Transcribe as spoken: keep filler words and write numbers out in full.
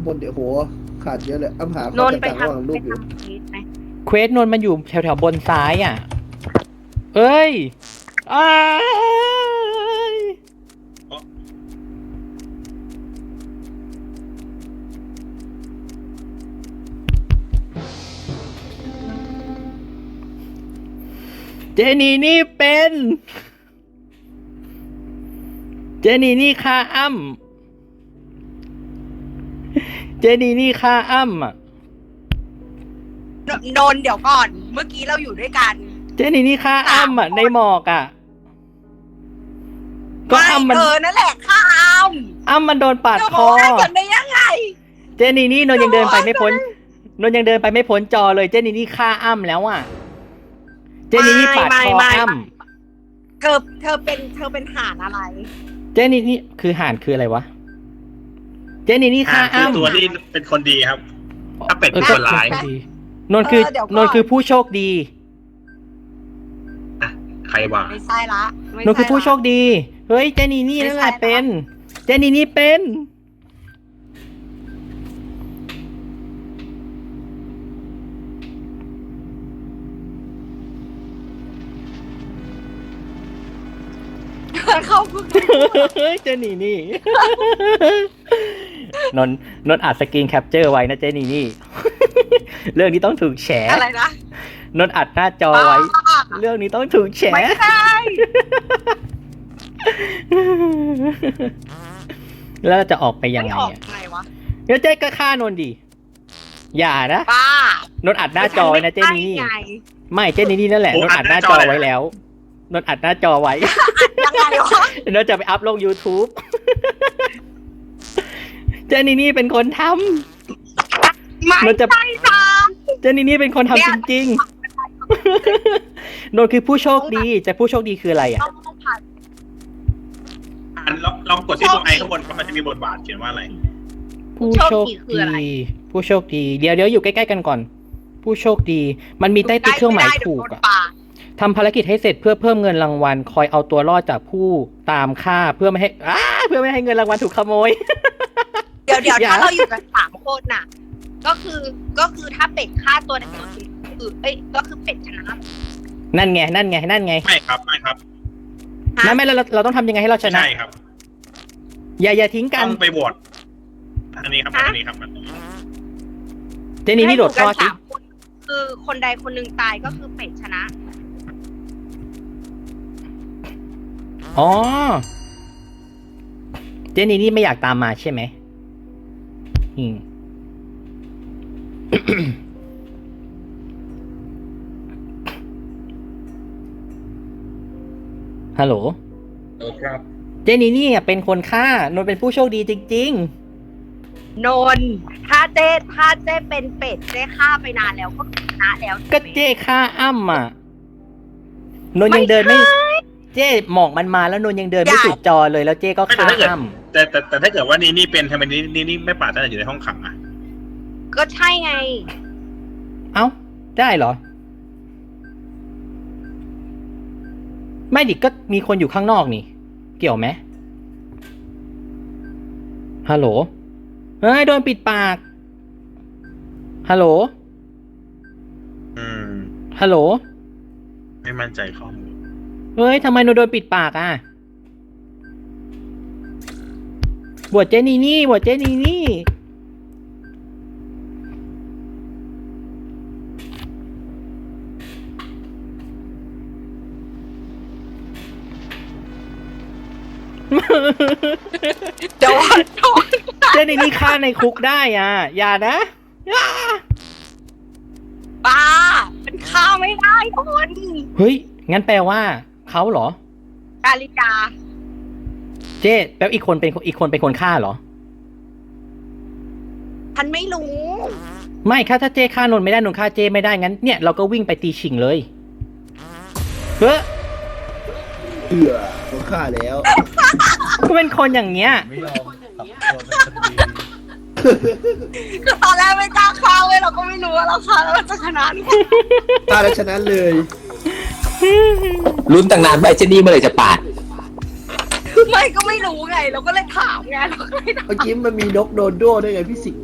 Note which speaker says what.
Speaker 1: บนเดี๋ยวโหขาดเยอะเลยอ้ำหาข้
Speaker 2: น
Speaker 1: อน
Speaker 2: ท์ไป
Speaker 1: ต่างๆระหว่าง
Speaker 2: ทำ
Speaker 1: รู
Speaker 2: ไป
Speaker 1: ปอยู่
Speaker 2: ทำพีทไหม
Speaker 3: เควสนนท์มันอยู่แถวแถวๆบนซ้ายอ่ะ เอ้ยอ้ายเจนี่นี่เป็น เจนี่นี่ฆ่าอ้ำเจนี่นี่ฆ่าอ้ำอ่ะ
Speaker 2: นนนท์เดี๋ยวก่อน เมื่อกี้เราอยู่ด้วยกัน
Speaker 3: เจนี่นี่ฆ่าอ้ำอ่ะในหมอกอ่ะ ก็
Speaker 2: ไม่
Speaker 3: อ้ำมัน
Speaker 2: เธอนั่นแหละข้าม
Speaker 3: อ้ำมันโดนปาด
Speaker 2: จะ
Speaker 3: ค
Speaker 2: บอก
Speaker 3: อ
Speaker 2: ได้กันได้ยังไง
Speaker 3: เจนี่นี่นนท์ยังเดินไปไม่พ้นนนท์ยังเดินไปไม่พ้นจอเลยเจนี่นี่ฆ่าอ้ำแล้วอ่ะ เจนี่นี่ปาดคอ
Speaker 2: ไม่ไม่
Speaker 3: อ้
Speaker 2: ไม่ เธอเธอเป็นเธอเป็นห่านอะไร
Speaker 3: ำเจนี่นี่คือห่านคืออะไรวะ เจนี่นี่ฆ่า
Speaker 4: อ่าคือ
Speaker 3: อ้ำ
Speaker 4: ตัวที่เป็นคนดีครับ ถ้าเป็ด
Speaker 3: เอ
Speaker 4: เป็
Speaker 3: อน
Speaker 4: คนร้าย
Speaker 3: ก็ดีนนท์คือ
Speaker 2: เออเดี๋ยวก่อน
Speaker 3: นนท์คือผู้โชคดี
Speaker 4: อ่ะใครว่า
Speaker 2: ไม่ใช่ละไม่
Speaker 3: นนท์คือผู้โชค
Speaker 2: ละ
Speaker 3: ดี เฮ้ยเจนี่นี่
Speaker 2: ไม่
Speaker 3: นั่นแห
Speaker 2: ใช่
Speaker 3: ละ
Speaker 2: ละ
Speaker 3: เป็น เจนี่นี่เป็น
Speaker 2: เขาเพิ่ง
Speaker 3: เฮ้ยเจนี่นี่ นนท์นนท์อัดสกรีนแคปเจอร์ไว้นะเจนี่นี่ เรื่องนี้ต้องถูกแฉ
Speaker 2: อะไรนะ
Speaker 3: นนท์อัดหน้าจอไว้ เรื่องนี้ต้องถูกแฉ
Speaker 2: ไม่ใช่
Speaker 3: แล้วเราจะออกไปยัง
Speaker 2: ไม่
Speaker 3: ไง
Speaker 2: ออก
Speaker 3: อ่ะ
Speaker 2: ไงวะ
Speaker 3: เดี๋ยวเจ๊ก็ฆ่านนท์ดิ อย่านะ
Speaker 2: ป้าน
Speaker 3: นท์อัดหน้าจอไว้นะเจนี่นี่
Speaker 2: ไง
Speaker 3: ไม่เจนี่นี่นั่นแหละ นนท์อัดหน้าจอไว้แล้ว นนท์อัดหน้าจอไว้
Speaker 2: ยังไงวะ
Speaker 3: นนท์จะไปอัพลง YouTube เจนี่นี่เป็นคนท
Speaker 2: ไม่
Speaker 3: นนท์จะ
Speaker 2: ใช่จ้า
Speaker 3: ำเจนี่นี่เป็นคนทำจริงๆ นนท์คือผู้โชคดีแต่ผู้โชคดีคืออะไรอ่ะ
Speaker 2: ต้องต้องผ่าน
Speaker 4: อันลองลองกดที่ตรงไอข้างบนครับมันจะมีบทบาทเขียนว่าอะไร
Speaker 3: ผู้โชคดี ผู้โชคดี เดี๋ยวเดี๋ยวอยู่ใกล้ๆกันก่อน ผู้โชคดี มันมีใต้ติ๊กเครื่องหมายถูก
Speaker 2: ได้
Speaker 3: อ่ะ
Speaker 2: เดี๋ยวโดนปาด
Speaker 3: ทำภารกิจให้เสร็จเพื่อเพิ่มเงินรางวัล คอยเอาตัวรอดจากผู้ตามฆ่าเพื่อไม่ให้อ้าเพื่อไม่ให้เงินรางวัลถูกขโมย
Speaker 2: เดี๋ยวเดี๋ยว
Speaker 3: อย่า
Speaker 2: ถ้าเราอยู่กันสามคนน่ะ ก็คือก็คือถ้าเป็ดฆ่าตัวในตัวจริงคือเอ้ยก็คือเป็ดชนะ
Speaker 3: นั่นไง นั่นไง นั่นไง
Speaker 4: ไม่ครับไม่ครับ
Speaker 3: นั่นไม่เราเราต้องทำยังไงให้เราช
Speaker 4: ไม่
Speaker 3: นะ
Speaker 4: ใช่ครับ
Speaker 3: อย่าอย่าทิ้งกั
Speaker 4: ต้
Speaker 3: น
Speaker 4: องไปโหวตอันนี้ครับอันนี้ครับอันนี้
Speaker 3: เจนี่นี่โดดท่อ
Speaker 2: ให้
Speaker 3: สิ
Speaker 2: ยู่กันสามคนคือคนใดคนหนึ่งตายก็คือเป็ดชนะ
Speaker 3: อ๋อ เจนี่นี่ไม่อยากตามมาใช่ไหมอืม ฮัลโหล
Speaker 4: เออครับ
Speaker 3: เจนี่นี่อ่ะเป็นคนฆ่านนท์เป็นผู้โชคดีจริง
Speaker 2: นนท์ถ้าเจ๊ถ้าเจ๊เป็นเป็ดเจ๊ฆ่าไปนานแล้วก็ชนะแล้ว
Speaker 3: ๆ ก็เจ้ฆ่าอ้ำอ่ะ นนท์ยังเดินไม่ เจ้หมอกมันมาแล้วนนท์ยังเดินไม่สุดจอเลยแล้วเจ้ก็
Speaker 4: ไม่แต่
Speaker 3: ฆ่า
Speaker 4: ถ้าเกิด
Speaker 3: อ้ำ
Speaker 4: แต่แต่แต่ถ้าเกิดว่านี่นี่เป็นทำไมนี่นี่นี่ไม่ปาดตั้งแต่อยู่ในห้องขังอ่ะ
Speaker 2: ก็ใช่ไง
Speaker 3: เอ้า ได้เหรอ ไม่ดิก็มีคนอยู่ข้างนอกนี่ เกี่ยวไหมฮัลโหลเฮ้ยโดนปิดปาก ฮัลโหล
Speaker 4: อืม
Speaker 3: ฮัลโหล
Speaker 4: ไม่มั่นใจข้อมูล
Speaker 3: เฮ้ยทำไมหนูโดนปิดปากอ่ะบวชเจนี่นี่บวชเจนี่นี่
Speaker 2: เดี๋ยวโดน
Speaker 3: เจนี่นี่ฆ่าในคุกได้อ่ะ อย่านะอย่า
Speaker 2: ป้าเป็นข้าวไม่ได้คน
Speaker 3: เฮ้ย งั้นแปลว่าเขาเหรอ
Speaker 2: กาลิกา
Speaker 3: เจ๊แปลว่าอีกคนเป็นอีกคนเป็นคนฆ่าเหรอ
Speaker 2: ฉันไม่รู้
Speaker 3: ไม่ค่ะถ้าเจ้ฆ่านนท์ไม่ได้นนท์ฆ่าเจ้ไม่ได้งั้นเนี่ยเราก็วิ่งไปตีชิงเลยเฮ้ย
Speaker 1: เอือเขาฆ่าแล้ว
Speaker 3: ก็เป็นคนอย่างเงี้ย
Speaker 5: ไม่ยอมกลับตัวเป็นคดี
Speaker 2: คือตอนแรกไม่กล้าฆ่าเว้ยเราก็ไม่รู้ว่าเราฆ่าแล้วเราจะชนะหรือเปล่า
Speaker 1: ฆ่าแล้วชนะเลย
Speaker 6: ลุ้นตั้งนานไปเจนี่เมื่อไหร่จะปาด
Speaker 2: ไม่ก็ไม่รู้ไง เราก็เลยถามไงเราก็เลยถาม
Speaker 1: เมื่อกี้มันมีนกโดนโดด้วยไงพี่สิงห์